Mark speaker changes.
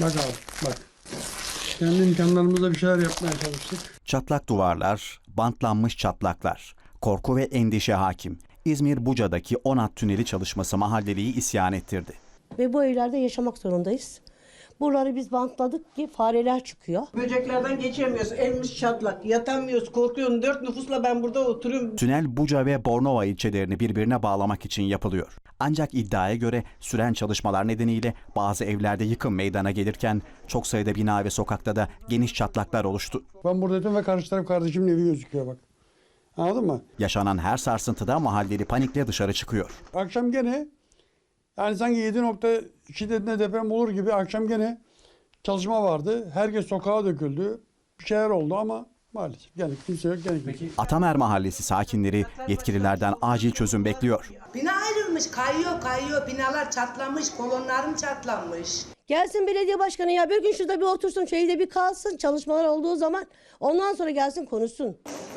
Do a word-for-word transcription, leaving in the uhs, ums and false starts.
Speaker 1: Bak abi bak. Kendi imkanlarımızla bir şeyler yapmaya çalıştık.
Speaker 2: Çatlak duvarlar, bantlanmış çatlaklar, korku ve endişe hakim. İzmir Buca'daki Onat Tüneli çalışması mahalleliyi isyan ettirdi.
Speaker 3: Ve bu evlerde yaşamak zorundayız. Buraları biz bantladık ki fareler çıkıyor.
Speaker 4: Böceklerden geçemiyoruz. Elimiz çatlak. Yatamıyoruz. Korkuyorum. Dört nüfusla ben burada oturuyorum.
Speaker 2: Tünel Buca ve Bornova ilçelerini birbirine bağlamak için yapılıyor. Ancak iddiaya göre süren çalışmalar nedeniyle bazı evlerde yıkım meydana gelirken çok sayıda bina ve sokakta da geniş çatlaklar oluştu.
Speaker 1: Ben buradayım ve karşı taraf kardeşimin evi gözüküyor bak. Anladın mı?
Speaker 2: Yaşanan her sarsıntıda mahalleli panikle dışarı çıkıyor.
Speaker 1: Akşam gene yani sanki yedi nokta iki dediğinde deprem olur gibi akşam gene çalışma vardı. Herkes sokağa döküldü. Bir şeyler oldu ama maalesef gene kimse yok gene kimse.
Speaker 2: Atamer Mahallesi sakinleri yetkililerden acil çözüm bekliyor.
Speaker 5: Bina ayrılmış, kayıyor kayıyor, binalar çatlamış, kolonlarım çatlamış.
Speaker 3: Gelsin belediye başkanı ya bir gün şurada bir otursun, şeyde bir kalsın çalışmalar olduğu zaman ondan sonra gelsin konuşsun.